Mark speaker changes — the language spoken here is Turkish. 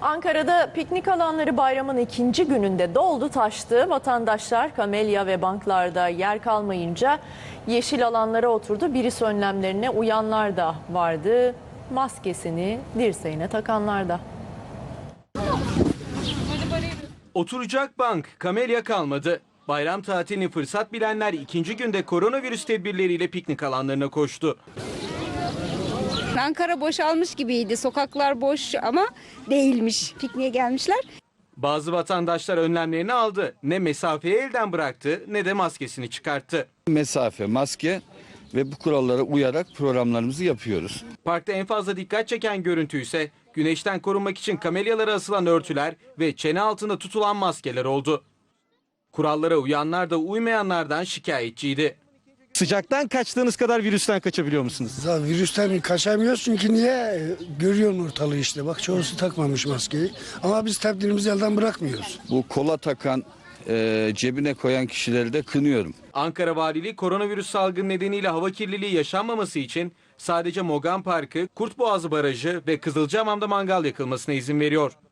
Speaker 1: Ankara'da piknik alanları bayramın ikinci gününde doldu taştı. Vatandaşlar kamelya ve banklarda yer kalmayınca yeşil alanlara oturdu. Virüs önlemlerine uyanlar da vardı. Maskesini dirseğine takanlar da.
Speaker 2: Oturacak bank, kamelya kalmadı. Bayram tatilini fırsat bilenler ikinci günde koronavirüs tedbirleriyle piknik alanlarına koştu.
Speaker 3: Ankara boşalmış gibiydi. Sokaklar boş ama değilmiş. Pikniğe gelmişler.
Speaker 2: Bazı vatandaşlar önlemlerini aldı. Ne mesafeyi elden bıraktı ne de maskesini çıkarttı.
Speaker 4: Mesafe, maske ve bu kurallara uyarak programlarımızı yapıyoruz.
Speaker 2: Parkta en fazla dikkat çeken görüntü ise güneşten korunmak için kamelyalara asılan örtüler ve çene altında tutulan maskeler oldu. Kurallara uyanlar da uymayanlardan şikayetçiydi. Sıcaktan kaçtığınız kadar virüsten kaçabiliyor musunuz?
Speaker 5: Ya virüsten kaçamıyoruz çünkü niye? Görüyorsun ortalığı işte. Bak çoğusu takmamış maskeyi. Ama biz tedbirimizi elden bırakmıyoruz.
Speaker 4: Bu kola takan, cebine koyan kişileri de kınıyorum.
Speaker 2: Ankara Valiliği koronavirüs salgını nedeniyle hava kirliliği yaşanmaması için sadece Mogan Parkı, Kurtboğazı Barajı ve Kızılcahamam'da mangal yakılmasına izin veriyor.